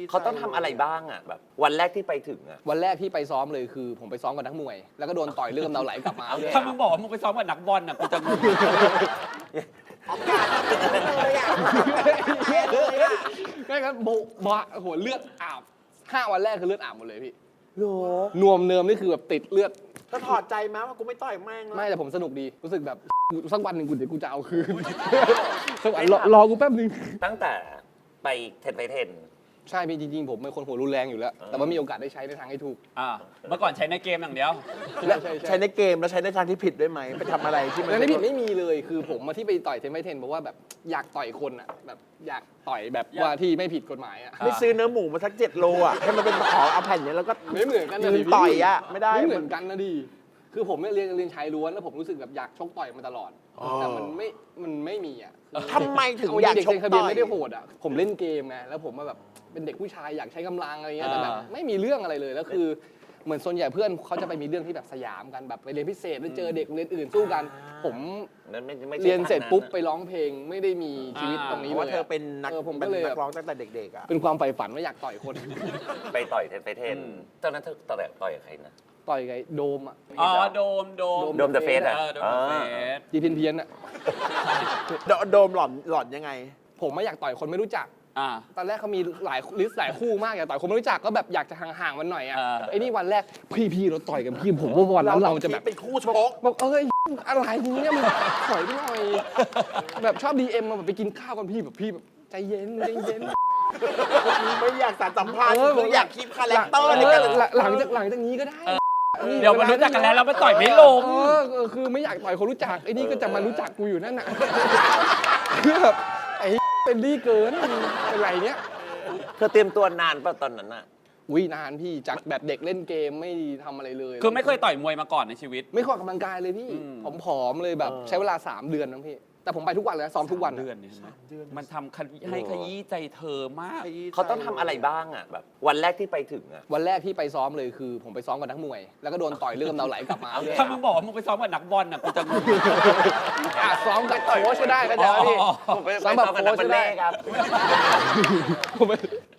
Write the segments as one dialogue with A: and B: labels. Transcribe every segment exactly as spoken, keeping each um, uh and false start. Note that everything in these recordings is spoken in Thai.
A: เขาต้องทำอะไรบ้างอ่ะแบบวันแรกที่ไปถึงอ่ะ
B: วันแรกที่ไปซ้อมเลยคือผมไปซ้อมกับนักมวย แล้วก็โดนต่อยเลือดกำเดาไหลกลับมา
C: ถ้ามึงบอกว่ามึงไปซ้อมกับนักบอลน่ะกูจะงง
D: ออกการเลยอ่ะเลยอ่ะ
B: ไม่ครับโบะบะโหเลือดอาบห้าวันแรกคือเลือดอาบหมดเลยพี่
D: โห
B: นวมเนิมนี่คือแบบติดเลือด
D: ถ้าถอดใจมั้ยว่ากูไม่ต่อยแม่งแล้ว
B: ไม่แต่ผมสนุกดีรู้สึกแบบสักวันหนึ่งกูเดี๋ยวกูจะเอาคืนสักวันรอรอกูแป๊บนึง
A: ตั้งแต่ไปเทนไปเทน
B: ใช่พี่จริงๆผมเป็นคนหัวรุนแรงอยู่แล้ว แต่ว่ามีโอกาสได้ใช้ในทางให้ถูก
C: อ่าเมื่อก่อนใช้ในเกมอย่างเดียว
D: และ
B: ใช่ใช่
D: ใช้ในเกมแล้วใช้ในทางที่ผิดด้วยไหมไปทำอะไรที่มัน
B: แล้วที่ผิดไม่มีเลยคือผมมาที่ไปต่อยเทนไมเทนเพราะว่าแบบอยากต่อยคนอ่ะแบบอยากต่อยแบบว่าที่ไม่ผิดกฎหมายอ่ะ
D: ไม่ซื้อเนื้อหมูมาสักเจ็ดโลอ่ะให้มันเป็นขอเอาแผ่นเนี้ยแล้วก็
B: ไม่เหมือนกันนะ
D: ยื
B: ดิ
D: นต่อยอ่ะไม่ได้
B: ไม่เหมือนกันนะดิคือผมเนี่ยเรียนเรียนชายล้วนแล้วผมรู้สึกแบบอยากชกต่อยมาตลอดแต่มันไม่มันไม่มีอ่ะ
D: ทำไมถึง
B: เจ
D: อยาก
B: เด็ก
D: ชก
B: เซ็นคาเบีย
D: ต่
B: น
D: อย
B: ไม่ได้โหดอ่ะผมเล่นเกมไงแล้วผมมาแบบเป็นเด็กผู้ชายอยากใช้กำลังอะไรเงี้ยแต่แบบ
C: อ่า
B: ไม่มีเรื่องอะไรเลยแล้วคือเหมือนส่วนใหญ่เพื่อนเขาจะไปมีเรื่องที่แบบสยามกันแบบไปเรียนพิเศษแล้วเจอเด็กโรงเรียนอื่นสู้กัน ผม
A: นั้นไม่ไม่ใช่
B: เรียนเสร็จ
A: ทาง
B: ปุ๊บ
A: อะ
B: ไปร้องเพลงไม่ได้มีชีวิตตรง
D: เพ
B: นี้
D: ราะ
B: เล
D: ว่าย เธอเป็นนัก
B: เออผม
D: เป็
B: ก็
D: น
B: เลย
D: นั
B: แบ
D: ก
B: บ
D: ร้องตั้งแต่เด็กๆอ่ะ
B: เป็นความใฝ่ฝันว่าอยากต่อยคน
A: ไปต่อยเทนไปเทนตอนนั้นเธอต่อยต่อยกับใครนะ
B: ต่อยไงโดมอ่ะ
C: อ๋อโดมโดม
A: โดม The Face อะ
C: เออโดมเดอะเฟส
B: จีเพียนเพียนอ่ะ
D: โดโดมหล่อนหล่อนยังไง
B: ผมไม่อยากต่อยคนไม่รู้จัก
C: อ่า
B: ตอนแรกเขามีหลายลิสต์หลายคู่มากอยากต่อยคนไม่รู้จักก็แบบอยากจะห่างๆมันหน่อยอ่ะ
C: เออ
B: ไอ้นี่วันแรกพี่พี่เราต่อยกันพี่ผมว่าวันนั้นเราจะแบบ
D: เป็นคู่ชก
B: บอกเอ้ยอะไรเนี่ยมึงถอยไปหน่อยแบบชอบดีเอ็มมาแบบไปกินข้าวกันพี่แบบพี่แบบใจเย็นใจเย็น
D: ไม่อยากสานสัมพันธ์
B: เออ
D: คืออยากคีบคาแรคเตอร์
B: เอ
D: ใน
B: อ
D: การ
B: หลังจากหลังจากนี้ก็ได้
C: เดี๋ยวมันรู้จักกันแล้วเราไปต่อยไม่ลง
B: เออเออคือไม่อยากต่อยคนรู้จักไอ้นี่ก็จะมารู้จักกูอยู่นั่นน่ะคือแบบไอ้เป็นดีเกินเป็นไรเนี้ย
A: เธอเตรียมตัวนานป่ะตอนนั้นอ่ะ
B: วินานพี่จากแบบเด็กเล่นเกมไม่ทำอะไรเลย
C: คือไม่เคยต่อยมวยมาก่อนในชีวิต
B: ไม่ค่อยออกกำลังกายเลยพี่
C: อืม
B: ผอมๆเลยแบบใช้เวลาสามเดือนนะพี่แต่ผมไปทุกวันเลยนะซ้อมทุกวัน
C: เดือนนี่ใช่ไหมมันทำขยี้ให้ขยี้ใจเธอมาก
A: เขาต้องทำอะไรบ้างอ่ะแบบวันแรกที่ไปถึงอ่ะ
B: วันแรกที่ไปซ้อมเลยคือผมไปซ้อมกับนักมวย แล้วก็โดนต่อยเลือดกำเดาไหลกลับมา
C: ถ้ามึงบอกว่ามึงไปซ้อมกับนักบอลน่ะกูจะงง
B: อ่ะซ้อมกับโค้ชก็ได้ก็ได้พี่
C: อ๋อ
A: ผมไป
B: ซ้อม
A: ไป
B: แบบ
A: ซ้อมกับ
B: โค้
A: นัก
B: ช
A: บัล
B: ก็ได้
A: เล่ต์ครับ
B: ผมไป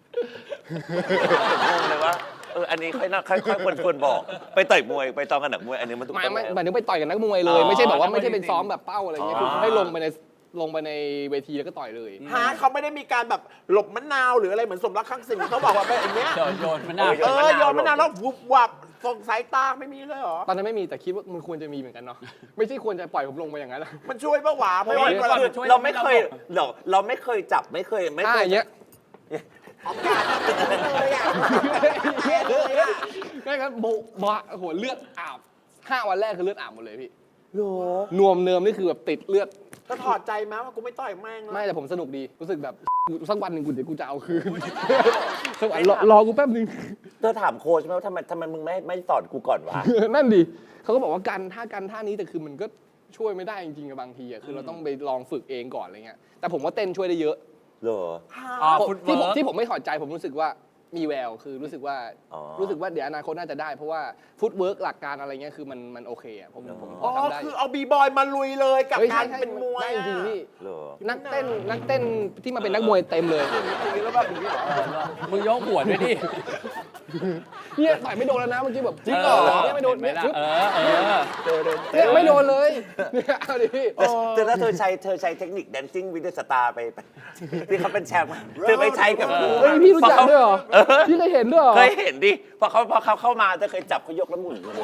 A: ผมงงเลยว่าเอออันนี้ค่อยน่าค่อยค่อยควรควรบอกไปต่อยมวยไปซ้อมกับหนักมวยอันนี้มันถูก
B: ไม่
A: ต้อง
B: ไม่
A: แล้ว
B: หมายถึงไปต่อยกับนักมวยเลย ไม่ใช่แบบว่าไม่ใช่เป็นซ้อมแบบเป้าอะไรเงี้ย
A: อ๋อ
B: คือให้ลงไปในลงไปในเวทีแล้วก็ต่อยเลย
D: ฮะเขาไม่ได้มีการแบบหลบมะนาวหรืออะไรเหมือนสมรักข้างสิงเขาบอกว่าแบบอย่างเงี้ย
C: โดนโยนมันน่า
D: เออโยนมะนาวแล้ววุบวับส่งสายตาไม่มีเลยเหรอ
B: ตอนนั้นไม่มีแต่คิดว่ามันควรจะมีเหมือนกันเนาะไม่ใช่ควรจะปล่อยผมลงไปอย่างนั้นนะ
D: มันช่วยปะวะเพราะว่า
C: เดี๋ยว
D: เว
C: ก่
D: ลา
C: อน
A: คือเราไม่เคยเราเราไม่เคยจับไม่เคยไม่
B: ถ้า
A: เค
B: อย ย่างเงี้ย
D: ออกการเลยอ่ะเลยอ่ะ
B: ไม่ครับโบะบะโหเลือดอาบห้าวันแรกคือเลือดอาบหมดเลยพี่
D: โห
B: นวมเนิมนี่คือแบบติดเลือด
D: ถ้าถอดใจมั้ยว่ากูไม่ต่อยแม่งแล้ว
B: ไม่แต่ผมสนุกดีรู้สึกแบบสักวันหนึ่งกูเดี๋ยวกูจะเอาคืนสักวันรอรอกูแป๊บนึง
A: เธอถามโค้ชไหมว่าทำไมทำไมมึงไม่ไม่สอนกูก่อนวะ
B: นั่นดิเขาก็บอกว่ากันท่ากันท่านี้แต่คือมันก็ช่วยไม่ได้จริงๆกับบางทีอะคือเราต้องไปลองฝึกเองก่อนอะไรเงี้ยแต่ผมว่าเต้นช่วยได้เยอะ
A: เหรอ
C: อ๋อ
B: ผม
C: ฟุต
B: ที่
C: เวิ
B: ผม
C: ร์ก
B: ที่ผมไม่ถอดใจผมรู้สึกว่ามีแววคือรู้สึกว่า
A: อ๋อ
B: รู้สึกว่าเดี๋ยวอนาคตน่าจะได้ เพราะว่าฟุตเวิร์กหลักการอะไรเงี้ยคือมันมันโอเคอะผมผมพ
D: อ๋
B: อ
D: อ
B: ทำได้
D: คือเอาบีบอยมาลุยเลยกับ
B: ฮ้ย
D: การ
B: ใช่ใช่
D: เป็นมวย
B: ได้จริงๆพี่
A: เหรอ
B: นักเต้นนักเต้นที่มาเป็นนักมวยเต็มเลย
D: แล้วแบบอย่างนี้เหรอ
C: มึงยกหัวด้วยดิ
B: เนี่ยต่อยไม่โดนแล้วนะเมื่อกี้แบบจริงเหรอเนี่ยไม่โดน
C: เห็
B: เนี่ย
C: ไหม
B: ปึ๊บ
C: ล่ะเออเออ
B: เนี่ยไม่โดนเลยเนี่ยเอาดิพี่
A: แต่แต่ถ้าเธอใช้เธอใช้เทคนิค dancing with the star ไปไปที่เขาเป็นแชมป์อะเธอไปใช้กับกู
B: เฮ้ยพี่รู้จักด้วยเหรอพี่เคยเห็นด้วยเหรอ
A: เคยเห็นดิพอเขาพอเขาเข้ามาเธอเคยจับเขายกแล้วหมุนเลย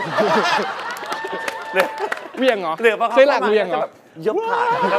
B: เวียงเหรอ
A: หรือพอเขา
B: เคยหลั
A: เข้าก มา
B: เวียงเหร
A: จะ
B: อ
A: แบบยกขาครับ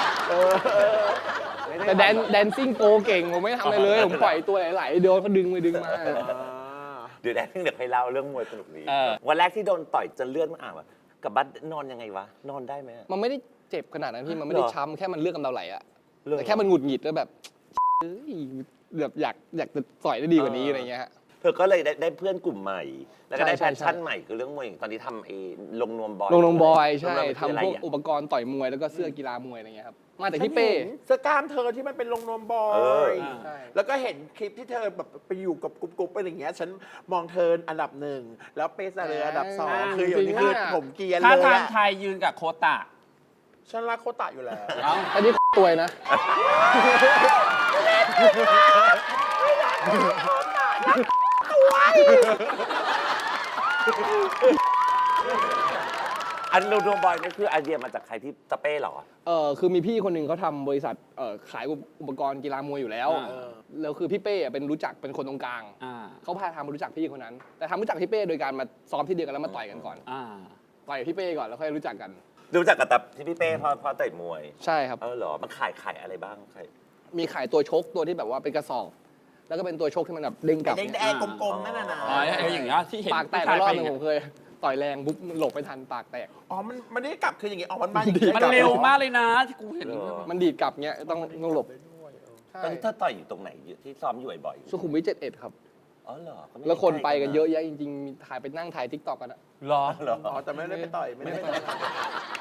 B: แต่แดนแดนซิ่งโกเก่งผมไม่ทำอะไรเลยผมปล่อยตัวไหลๆโดนเขาดึงไปดึงมา
A: เดี๋ยวแดนเดี๋ยวให้เล่าเรื่องมวยสนุกดี
C: เออ
A: วันแรกที่โดนต่อยจนเลือดมันอาบอะกับบัสนอนยังไงวะนอนได้ไหมอะ
B: มันไม่ได้เจ็บขนาดนั้นพี่มันไม่ได้
A: เหรอ
B: ช้ำแค่มันเลือดกำเดาไหลอะ
A: เหรอ
B: แต่แค่มันหงุดหงิดแล้วแบบเอ้ยแบบอยากอยากจะต่อยได้ดีกว่านี้อะไรเงี้ยฮะ
A: เธอก็เลยได้ได้เพื่อนกลุ่มใหม่ แล้วก็ได้
B: ใช่
A: แพ
B: ใช่
A: ชชั่นใหม่คือเรื่องมวยตอนนี้ทำไอ้ลงนวมบอย
B: ลงลงบอยใช่
A: ลงนวมคืออะไร
B: ทำพวก
A: อะ
B: อุปกรณ์ต่อยมวยแล้วก็เสื้อกีฬามวยอะไรเงี้ยครับมาจาก
D: ฉัน
B: พี่เป้
D: เห็นเสื้อกล้ามเธอที่มันเป็นลงนวมบอ
A: เออ
D: ย
B: ใช่
D: แล้วก็เห็นคลิปที่เธอแบบไปอยู่กับกรุ๊ปๆอะไรอย่างเงี้ย ฉันมองเธออันดับหนึ่ง แล้วเปซาเรออันดับสอง
B: อ่า
D: คืออย่างนี้
B: จริงๆ
D: คือ
B: อะ
D: ผมเกรียน
C: ถ้า
D: เลย
C: ทาง
D: อะ
C: ไทยยืนกับโคตะ
D: ฉันรักโคตะอยู่แล้ว
C: เอ้า
B: อันนี้ตัวนะ
A: อันโนโนบอยนี่คือไอเดียมาจากใครที่สเป้เหรอ
B: เออคือมีพี่คนหนึ่งเขาทำบริษัทเอ่อขายอุปกรณ์กีฬามวยอยู่แล้ว
C: อ่า
B: แล้วคือพี่เป้อะเป็นรู้จักเป็นคนตรงกลาง
C: อ่า
B: เขาพาทำมารู้จักพี่คนนั้น แต่ทำรู้จักพี่เป้โดยการมาซ้อมที่เดียวกันแล้วมาต่อยกันก่อน
C: อ่า
B: ต่อยกับพี่เป้ก่อนแล้วค่อยรู้จักกัน
A: รู้จักกับแต่ที่พี่เป้พอพอต่อยมวย
B: ใช่ครับ
A: เออเหรอ มันขายขายอะไรบ้างใคร
B: มีขายตัวชกตัวที่แบบว่าเป็นกระสอบ แล้วก็เป็นตัวชกที่มันแบบเด้งกลับ
D: ไอ้แดงๆกลมๆนั่นน่ะนะ
C: อ๋อไอ้อย่างเงี้ยที่เห็น
B: ปากแตก
C: ผู้
B: ไป
C: ชาย
B: รอบ
C: ไป
B: หนึง
C: เนี่
B: ผ
C: ย
B: มเคยต่อยแรงปุ๊บหลบไม่ทันปากแตก
D: อ๋อ มันมันไม่ได้กลับคืออย่างงี้อ๋อ มันมาอย่างงี้
C: มัน
D: กลับ
C: เร็วมากเลยนะที่กูเห็น
A: เออ
B: มันดีดกลับเงี้ยต้องต้องหลบใช่
A: ตอนนี้เธอต่อยอยู่ตรงไหนอยู่ที่ซ้อมอยู่บ่อย
B: สุขุมวิทเจ็ดเอ็ดครับ
A: ๆอ๋อเหรอไม่
B: แล้วคนไปกันเยอะ
A: ใกล้
B: แยะจริงๆมีถ่ายไปนั่งถ่ายทิกตอกกันอะ
C: หรอ
A: เหรอ
D: อ๋อ แต่ไม่ได้ไปต่อย ไม่ได้ไปต่อย